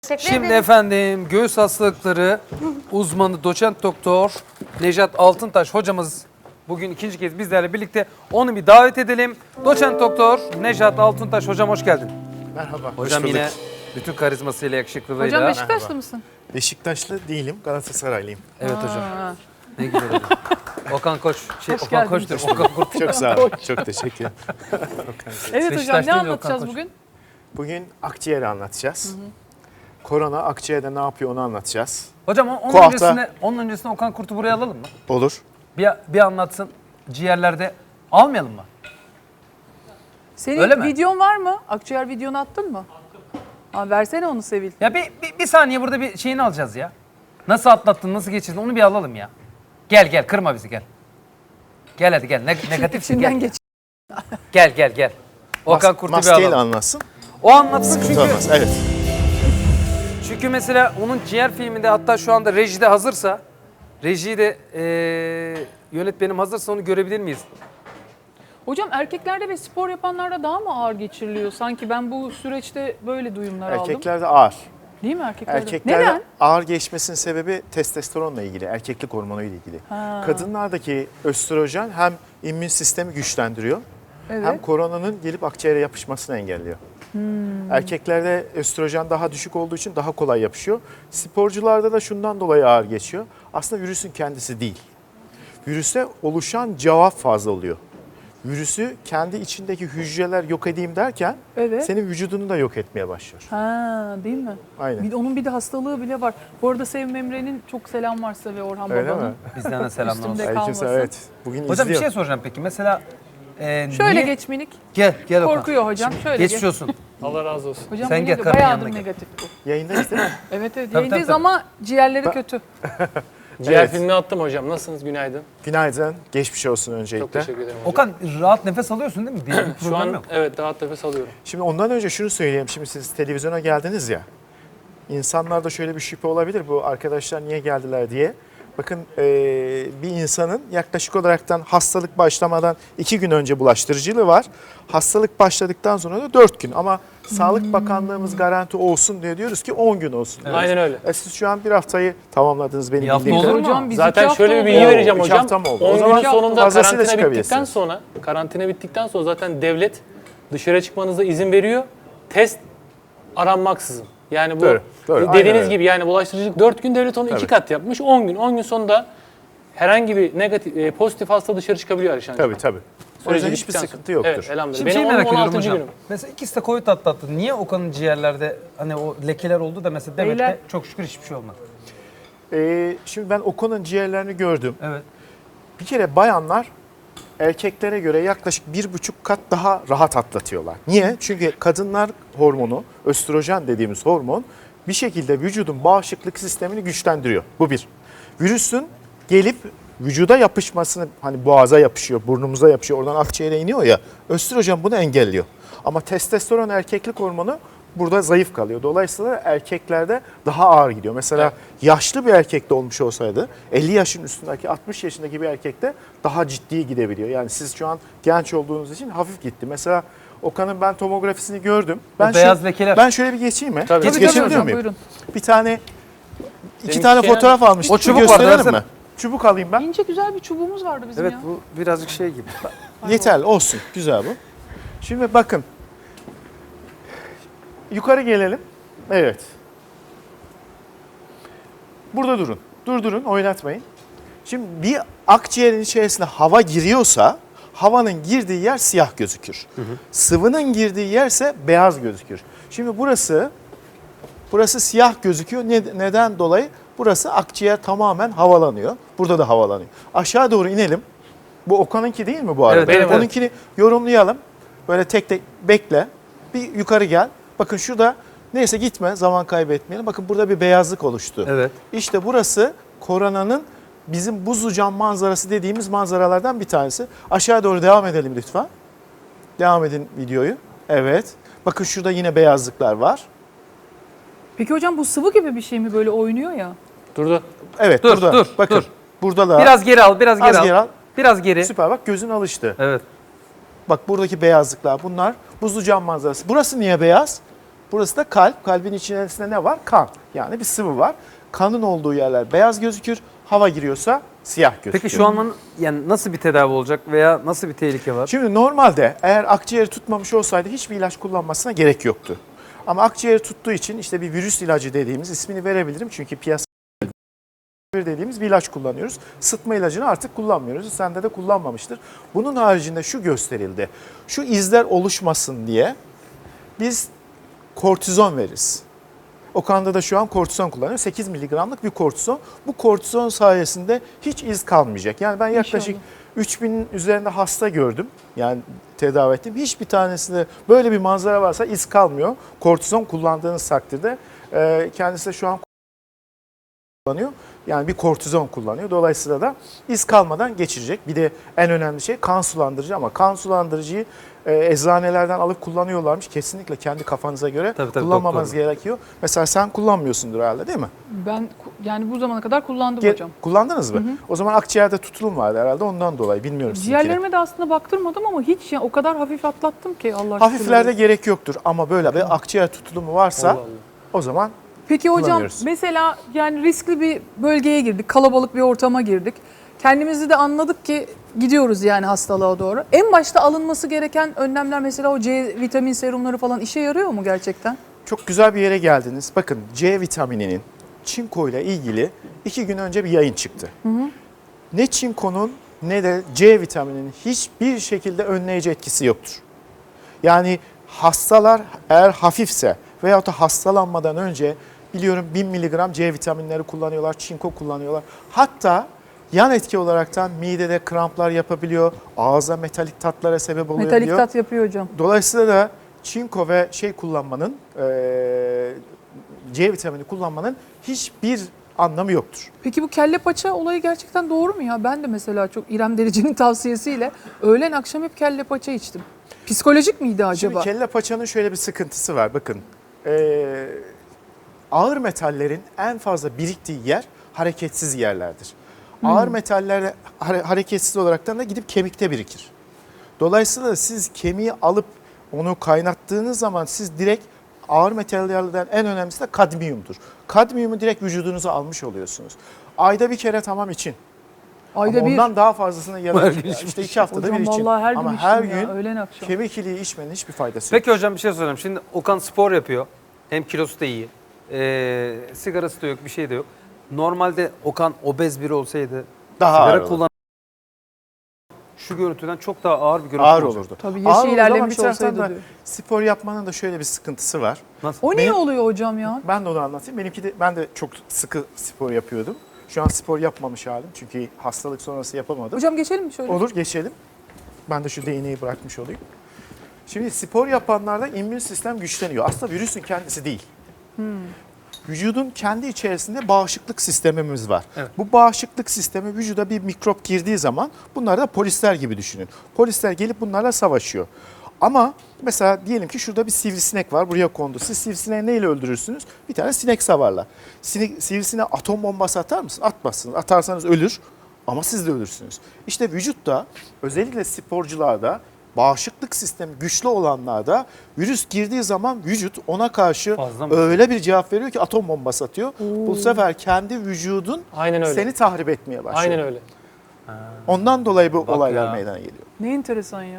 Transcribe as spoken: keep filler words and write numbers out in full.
Şimdi efendim göğüs hastalıkları uzmanı doçent doktor Nejat Altıntaş hocamız bugün ikinci kez bizlerle birlikte, onu bir davet edelim. Doçent doktor Nejat Altıntaş hocam, hoş geldin. Merhaba. Hocam yine bütün karizmasıyla, yakışıklılığıyla. Hocam Beşiktaşlı Merhaba. mısın? Beşiktaşlı değilim, Galatasaraylıyım. Evet Aa. hocam. Ne güzel hocam. Okan Koç. Şey, Hoş Okan geldin. Koç diyorum. Okan Kurt. Çok sağ olun. Çok teşekkür ederim. Evet Beşiktaş hocam, ne değil de anlatacağız Okan Koç. bugün? Bugün akciğeri anlatacağız. Korona akciğerde ne yapıyor onu anlatacağız. Hocam o- onun Bu hafta- öncesinde, onun öncesinde Okan Kurt'u buraya alalım mı? Olur. Bir, bir anlatsın ciğerlerde. Almayalım mı? Senin Öyle mi? videon var mı? Akciğer videonu attın mı? Attım. Ha, versene onu Sevil. Ya bir, bir, bir saniye burada bir şeyini alacağız ya. Nasıl atlattın, nasıl geçirdin onu bir alalım ya. Gel gel, kırma bizi, gel. Gel hadi gel, ne, negatifsin, İçinden gel. geç. Gel gel gel. Okan Mas- Kurt'u bir maskeyle alalım. anlatsın. O anlatsın çünkü, Sıkıntı olmaz. Evet. çünkü mesela onun ciğer filminde, hatta şu anda rejide hazırsa, rejiyi de eee yönetmenim hazırsa onu görebilir miyiz? Hocam erkeklerde ve spor yapanlarda daha mı ağır geçiriliyor? Sanki ben bu süreçte böyle duyumlar aldım. Erkeklerde ağır. Değil mi erkeklerde? Erkeklerde Neden? ağır geçmesinin sebebi testosteronla ilgili, erkeklik hormonu ile ilgili. Ha. Kadınlardaki östrojen hem immün sistemi güçlendiriyor, Evet. hem koronanın gelip akciğere yapışmasını engelliyor. Hmm. Erkeklerde östrojen daha düşük olduğu için daha kolay yapışıyor. Sporcularda da şundan dolayı ağır geçiyor. Aslında virüsün kendisi değil. Virüse oluşan cevap fazla oluyor. Virüsü kendi içindeki hücreler yok edeyim derken Evet. senin vücudunu da yok etmeye başlıyor. Ha, değil mi? Aynen. Bir de onun bir de hastalığı bile var. Bu arada Sevim Emre'nin çok selam varsa ve Orhan Öyle Baba'nın. mi? Bizden de selamlar olsun. Üstümde Aleykümselam, kalmasın. evet. Bugün Hocam bir izliyor. şey soracağım peki. Mesela e, Şöyle niye- geç minik. Gel gel Okan. Korkuyor hocam. Şöyle Geçmiş geç. olsun. Allah razı olsun. Hocam Sen bu gel, nedir? karının Bayağıdır yanına gel. negatif bu. Yayındayız değil mi? Evet evet. Tabii, Yayındayız tabii, ama ciğerleri kötü. Ciğer Evet. filmini attım hocam. Nasılsınız? Günaydın. Günaydın. Geçmiş olsun öncelikle. Çok teşekkür ederim hocam. Okan rahat nefes alıyorsun değil mi? Diğer bir Şu problem an yok. evet rahat nefes alıyorum. Şimdi ondan önce şunu söyleyeyim. Şimdi siz televizyona geldiniz ya. İnsanlarda şöyle bir şüphe olabilir. Bu arkadaşlar niye geldiler diye. Bakın eee, bir insanın yaklaşık olaraktan hastalık başlamadan iki gün önce bulaştırıcılığı var. Hastalık başladıktan sonra da dört gün. Ama Sağlık Bakanlığımız garanti olsun diye diyoruz ki on gün olsun. diyoruz. Aynen öyle. E siz şu an bir haftayı tamamladınız benim Bir hafta bildiğim olur kadarıyla. mu? Hocam biz Zaten iki hafta şöyle bir oldu. bilgi Oo, vereceğim iki hocam. hafta mı oldu? O on zaman günün sonunda fazlasıyla karantina bittikten çıkabilirsiniz. sonra, karantina bittikten sonra zaten devlet dışarı çıkmanıza izin veriyor. Test aranmaksızın. Yani bu Doğru, doğru. Aynen dediğiniz öyle. gibi yani bulaştırıcılık dört gün, devlet onu iki Tabii. kat yapmış. on gün. on gün sonunda herhangi bir negatif, e, pozitif hasta dışarı çıkabiliyor Alişan Tabii tabii. O yüzden hiçbir bittikten sonra. sıkıntı yoktur. Evet, elhamdülillah. Şimdi şey Benim merak on- ediyorum 16. hocam. günüm. Mesela ikisi de Covid atlattı. Niye Okan'ın ciğerlerde hani o lekeler oldu da mesela Demet'te Beyler. çok şükür hiçbir şey olmadı. Ee, şimdi ben Okan'ın ciğerlerini gördüm. Evet. Bir kere bayanlar erkeklere göre yaklaşık bir buçuk kat daha rahat atlatıyorlar. Niye? Çünkü kadınlar hormonu, östrojen dediğimiz hormon bir şekilde vücudun bağışıklık sistemini güçlendiriyor. Bu bir. Virüsün gelip vücuda yapışmasını, hani boğaza yapışıyor, burnumuza yapışıyor, oradan akciğere iniyor ya, östrojen bunu engelliyor. Ama testosteron erkeklik hormonu burada zayıf kalıyor. Dolayısıyla erkeklerde daha ağır gidiyor. Mesela Evet. yaşlı bir erkekte olmuş olsaydı elli yaşın üstündeki, altmış yaşındaki bir erkekte daha ciddi gidebiliyor. Yani siz şu an genç olduğunuz için hafif gitti. Mesela Okan'ın ben tomografisini gördüm. Ben beyaz şu- lekeler. Ben şöyle bir geçeyim mi? Tabii. Geç, Tabii, tabii geçebiliyor hocam, muyum? buyurun. Bir tane, iki Senin tane şey- fotoğraf almıştım. O çubuk Bir vardı, gösterelim versene. mi? Çubuk alayım ben. İnce güzel bir çubuğumuz vardı bizim Evet ya. bu birazcık şey gibi. Yeterli olsun. Güzel bu. Şimdi bakın. Yukarı gelelim. Evet. Burada durun. Durdurun, oynatmayın. Şimdi bir akciğerin içerisine hava giriyorsa havanın girdiği yer siyah gözükür. Sıvının girdiği yerse beyaz gözükür. Şimdi burası burası siyah gözüküyor. Ne- neden dolayı? Burası akciğer tamamen havalanıyor. Burada da havalanıyor. Aşağı doğru inelim. Bu Okan'ınki değil mi bu arada? Evet, benim, evet. Onunkini yorumlayalım. Böyle tek tek bekle. Bir yukarı gel. Bakın şurada, neyse gitme, zaman kaybetmeyelim. Bakın burada bir beyazlık oluştu. Evet. İşte burası koronanın bizim buzlu cam manzarası dediğimiz manzaralardan bir tanesi. Aşağı doğru devam edelim lütfen. Devam edin videoyu. Evet. Bakın şurada yine beyazlıklar var. Peki hocam bu sıvı gibi bir şey mi, böyle oynuyor ya? Durdu. Evet, Dur, burada. dur, Bakın. dur. Burada da. Biraz geri al, biraz geri Az al. geri al. Biraz geri. Süper, bak gözün alıştı. Evet. Bak buradaki beyazlıklar bunlar buzlu cam manzarası. Burası niye beyaz? Burası da kalp. Kalbin içerisinde ne var? Kan. Yani bir sıvı var. Kanın olduğu yerler beyaz gözükür. Hava giriyorsa siyah gözükür. Peki şu an yani nasıl bir tedavi olacak veya nasıl bir tehlike var? Şimdi normalde eğer akciğeri tutmamış olsaydı hiçbir ilaç kullanmasına gerek yoktu. Ama akciğeri tuttuğu için işte bir virüs ilacı dediğimiz, ismini verebilirim çünkü piyasa dediğimiz bir ilaç kullanıyoruz. Sıtma ilacını artık kullanmıyoruz. Sende de kullanmamıştır. Bunun haricinde şu gösterildi. Şu izler oluşmasın diye biz kortizon veririz. Okan'da da şu an kortizon kullanıyor. sekiz miligramlık bir kortizon. Bu kortizon sayesinde hiç iz kalmayacak. Yani ben yaklaşık İnşallah. üç binin üzerinde hasta gördüm. Yani tedavi ettim. Hiçbir tanesinde böyle bir manzara varsa iz kalmıyor. Kortizon kullandığınız takdirde e, kendisi de şu an kullanıyor. Yani bir kortizon kullanıyor. Dolayısıyla da iz kalmadan geçirecek. Bir de en önemli şey kan sulandırıcı ama kan sulandırıcıyı e, eczanelerden alıp kullanıyorlarmış. Kesinlikle kendi kafanıza göre Tabii, tabii, kullanmamanız doktor. gerekiyor. Mesela sen kullanmıyorsundur herhalde değil mi? Ben ku- yani bu zamana kadar kullandım Ge- hocam. Kullandınız mı? O zaman akciğerde tutulum vardı herhalde ondan dolayı bilmiyorum sizinkine. Ciğerlerime de aslında baktırmadım ama hiç ya, o kadar hafif atlattım ki Allah aşkına. Hafiflerde gerek yoktur ama böyle bir akciğer tutulumu varsa Allah Allah. o zaman Peki hocam kullanıyoruz. mesela yani riskli bir bölgeye girdik, kalabalık bir ortama girdik. Kendimizi de anladık ki gidiyoruz yani hastalığa doğru. En başta alınması gereken önlemler mesela o C vitamin serumları falan işe yarıyor mu gerçekten? çok güzel bir yere geldiniz. Bakın C vitamininin çinko ile ilgili iki gün önce bir yayın çıktı. Ne çinkonun ne de C vitamininin hiçbir şekilde önleyici etkisi yoktur. Yani hastalar eğer hafifse veyahut da hastalanmadan önce biliyorum bin miligram C vitaminleri kullanıyorlar, çinko kullanıyorlar. Hatta yan etki olaraktan midede kramplar yapabiliyor, ağza metalik tatlara sebep oluyor. Metalik tat yapıyor hocam. Dolayısıyla da çinko ve şey kullanmanın, eee, C vitamini kullanmanın hiçbir anlamı yoktur. Peki bu kelle paça olayı gerçekten doğru mu ya? Ben de mesela çok İrem Derici'nin tavsiyesiyle öğlen akşam hep kelle paça içtim. Psikolojik miydi acaba? Şimdi kelle paçanın şöyle bir sıkıntısı var. Bakın eee, ağır metallerin en fazla biriktiği yer hareketsiz yerlerdir. Ağır metaller hare- hareketsiz olaraktan da gidip kemikte birikir. Dolayısıyla siz kemiği alıp onu kaynattığınız zaman siz direkt ağır metallerden en önemlisi de kadmiyumdur. Kadmiyumu direkt vücudunuza almış oluyorsunuz. Ayda bir kere tamam için. Ayda Ama bir. ondan daha fazlasını ya Her da gün işte iki haftada Hocam bir için. vallahi her gün Ama içtim her ya, gün öğlen akşam. kemik iliği içmenin hiçbir faydası yok. Peki hocam bir şey sorayım. Şimdi Okan spor yapıyor. Hem kilosu da iyi. Ee, sigarası da yok, bir şey de yok. Normalde Okan obez biri olsaydı Daha ağır sigara olur. kullan şu görüntüden çok daha ağır bir görüntü Ağır olacak. olurdu. Tabii Ağır yaşı olurdu ama ilerlemiş bir taraftan olsaydı da diyor. spor yapmanın da şöyle bir sıkıntısı var. Nasıl? O niye Benim- oluyor hocam ya? Ben de onu anlatayım. Benimki de ben de çok sıkı spor yapıyordum. Şu an spor yapmamış halim çünkü hastalık sonrası yapamadım. Hocam geçelim mi şöyle? Olur geçelim. Ben de şu değneği bırakmış olayım. Şimdi spor yapanlarda immün sistem güçleniyor. Aslında virüsün kendisi değil. Vücudun kendi içerisinde bağışıklık sistemimiz var. Evet. Bu bağışıklık sistemi vücuda bir mikrop girdiği zaman bunlar da polisler gibi düşünün. Polisler gelip bunlarla savaşıyor. Ama mesela diyelim ki şurada bir sivrisinek var, buraya kondu. Siz sivrisineği neyle öldürürsünüz? Bir tane sinek savarla. Sinek, sivrisineğe atom bombası atar mısınız? Atmazsınız. Atarsanız ölür ama siz de ölürsünüz. İşte vücutta özellikle sporcularda bağışıklık sistemi güçlü olanlarda virüs girdiği zaman vücut ona karşı Fazla mı? öyle bir cevap veriyor ki atom bombası atıyor. Bu sefer kendi vücudun Aynen öyle. seni tahrip etmeye başlıyor. Aynen öyle. Ondan dolayı bu Bak olaylar ya. meydana geliyor. Ne enteresan ya.